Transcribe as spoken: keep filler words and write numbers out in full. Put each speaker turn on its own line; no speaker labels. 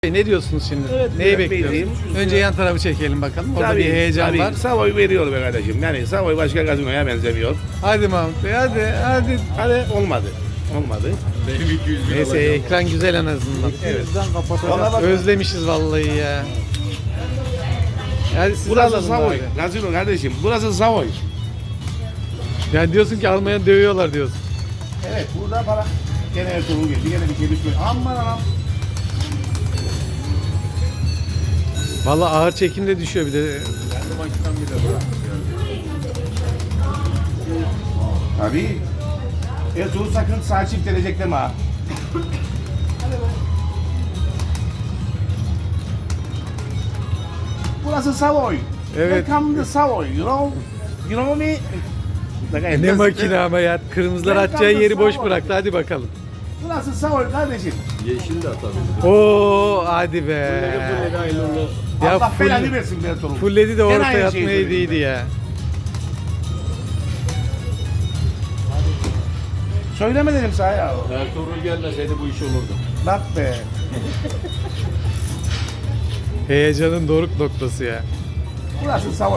Ne diyorsunuz şimdi?
Evet,
Neyi
evet,
bekliyoruz?
bekleyeyim.
Önce yan tarafı çekelim bakalım. Orada bir heyecan
tabii.
var.
Savoy veriyor be kardeşim. Yani Savoy başka gazinoya benzemiyor.
Hadi Mahmut Bey, hadi hadi.
Hani olmadı. Olmadı.
Benim iki yüz bin
Neyse,
alacağım.
ekran güzel en azından.
Evet.
Ona bak.
Özlemişiz vallahi ya. Hadi siz
Burası
alalım
Savoy.
bari.
Gazino kardeşim. Burası Savoy.
Yani diyorsun ki Almanya dövüyorlar diyorsun.
Evet. Burada para. Gene Ertuğrul geldi. Gene bir şey düşmüyor. Aman anam.
Vallahi ağır çekimde düşüyor bir de.
Kendi makinam bile bırak.
Tabii. Ertuğrul sakın sağ çift gelecek deme ha. Burası Savoy.
Evet.
Welcome to Savoy. You know? You know me?
Ne makine ama ya. Kırmızılar
Ben
atacağı yeri boş
Savoy.
bıraktı. Hadi bakalım.
Burası Savoy kardeşim.
Yeşil de atabilir.
Oo hadi be.
Full hayırlı olsun.
Ya
Allah
full-
belanı versin be Ertuğrul.
Fulledi de
Gene
ortaya
aynı şeyi
atmayı
söyleyeyim
değildi
ben.
ya.
Söyleme dedim sana ya.
Ertuğrul gelmeseydi bu iş olurdu.
Bak be.
Heyecanın doruk noktası ya.
Burası Savoy.